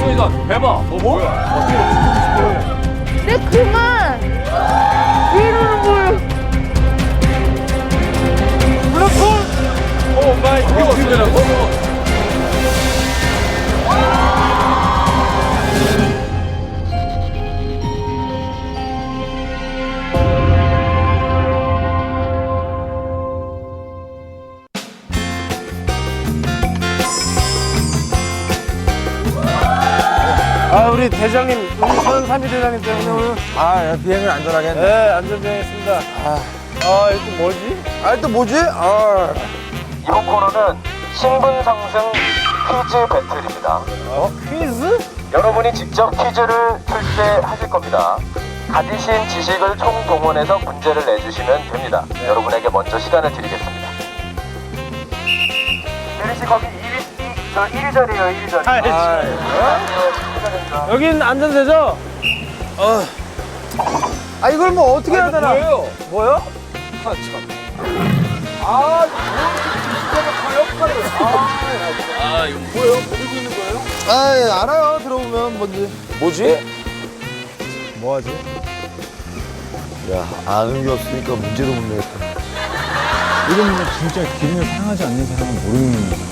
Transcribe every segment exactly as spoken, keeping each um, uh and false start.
엉덩이가 대박. 어, 뭐야? 네, 그만! 왜 이러는 거예요? 블랙홀! 오 마이 갓. 이거 어떻게 되라고? 아, 우리 대장님, 우리 서현삼이 대장님 때문에 오늘 아, 비행을 안전하게 했네. 네, 안전비행했습니다. 아, 아, 이거 또 뭐지? 아, 또 뭐지? 아. 이번 코너는 신분 상승 퀴즈 배틀입니다. 어? 퀴즈? 여러분이 직접 퀴즈를 출제하실 겁니다. 가지신 지식을 총동원해서 문제를 내주시면 됩니다. 네. 여러분에게 먼저 시간을 드리겠습니다. 예리 씨 거기 이 위, 저 일 위 자리에요, 일 위 자리. 아, 아, 여긴 안전되죠? 어. 아, 이걸 뭐 어떻게 해야 되나? 뭐예요? 뭐요? 아, 참. 아, 뭐 역할을. 아, 아, 이거 뭐예요? 모르고 있는 거예요? 아, 예, 알아요. 들어보면 뭔지. 뭐지? 뭐하지? 야, 아는 게 없으니까 문제도 못 내겠다. 이건 뭐 진짜 기분이 상하지 않는 사람은 모르는 거야.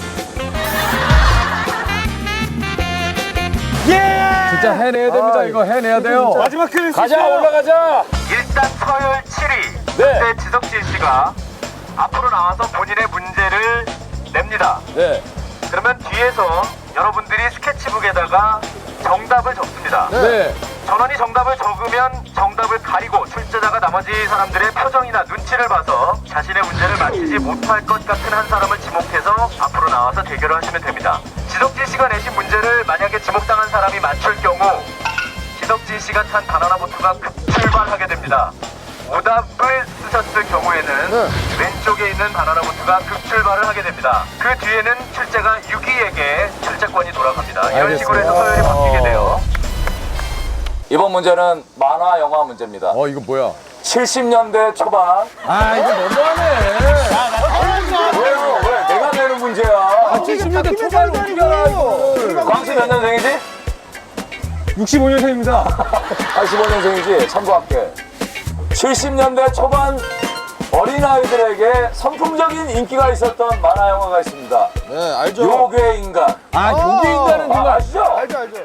예! 진짜 해내야 됩니다. 이거 해내야 돼요. 마지막 퀴즈. 가자, 올라가자. 일단 서열 칠 위. 네. 그때 지석진 씨가 앞으로 나와서 본인의 문제를 냅니다. 네. 그러면 뒤에서 여러분들이 스케치북에다가 정답을 적습니다. 네. 전원이 정답을 적으면 정답을 가리고 출제자가 나머지 사람들의 표정이나 눈치를 봐서 자신의 문제를 맞히지 못할 것 같은 한 사람을 지목해서 앞으로 나와서 대결을 하시면 됩니다. 지석진 씨가 내신 문제를 만약에 지목당한 사람이 맞출 경우 지석진 씨가 탄 바나나 보트가 급출발하게 됩니다. 오답을 쓰셨을 경우에는 네. 왼쪽에 있는 바나나 보트가 급출발을 하게 됩니다. 그 뒤에는 출제가 육 위에게 출제권이 돌아갑니다. 이런 식으로 해서 서열이 바뀌게 돼요. 이번 문제는 만화 영화 문제입니다. 어, 이거 뭐야? 칠십 년대 초반. 아, 이거 너무하네. 왜요? 왜? 내가 내는 문제야. 아, 칠십 년대 초반을 어떻게 알아, 이거. 광수 몇 년생이지? 육십오 년생입니다. 팔십오 년생이지? 참고할게. 칠십 년대 초반 어린아이들에게 선풍적인 인기가 있었던 만화 영화가 있습니다. 네, 알죠. 요괴 인간. 아, 요게 인간은 아, 누가 아시죠? 알죠, 알죠.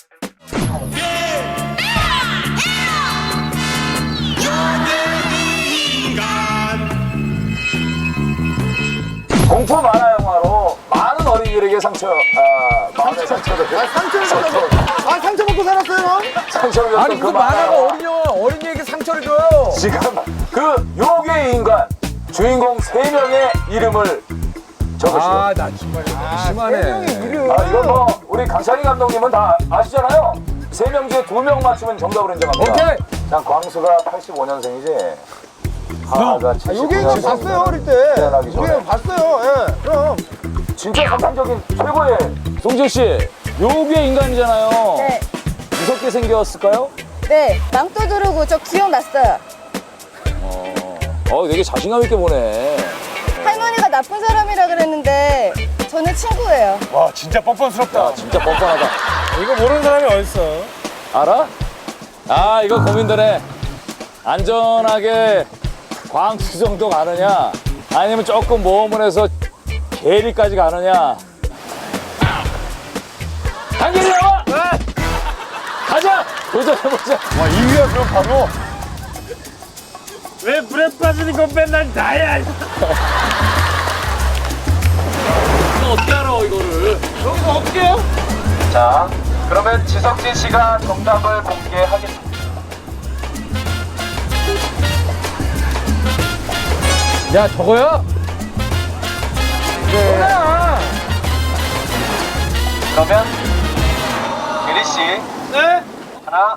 공포 만화 영화로 많은 어린이들에게 상처, 아, 마음의 상처를, 아, 상처를 받아서. 아, 상처 먹고 살았어요, 형? 상처를 줬던 아니, 그 그 만화 만화가 영화. 어린 영화, 어린이에게 상처를 줘요. 지금 그 요괴 인간 주인공 세 명의 이름을 적으시오. 아, 나 정말 너무 심하네. 아, 이건 뭐 우리 강찬희 감독님은 다 아시잖아요. 세 명 중에 두 명 맞추면 정답을 인정합니다. 오케이. 자, 광수가 팔십오 년생이지. 하나가 아, 칠십구 요게 년생. 봤어요, 어릴 때. 태어나기 전에. 요게 봤어요, 예. 그럼. 진짜 상상적인 최고의. 송재 씨, 요괴 인간이잖아요. 네, 무섭게 생겼을까요? 네, 망토 두르고 저 기억났어요. 어, 되게 자신감 있게 보네. 할머니가 나쁜 사람이라 그랬는데 저는 친구예요. 와, 진짜 뻔뻔스럽다. 야, 진짜 뻔뻔하다. 이거 모르는 사람이 어딨어. 알아? 아, 이거 고민되네. 안전하게 광수 정도 가느냐, 아니면 조금 모험을 해서 계리까지 가느냐. 당연히 나와! 가자! 도전해보자. 와, 이 위야, 그럼 바로. 왜 불에 빠지는 건 맨날 나야. 이거 어떻게 알아, 이거를? 여기서 어떻게 해요? 자, 그러면 지석진 씨가 정답을 공개하겠습니다. 야, 저거야? 네. 그러면 예리 씨, 네? 하나,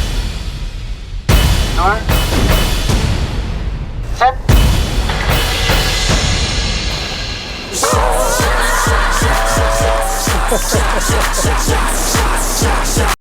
둘, 셋.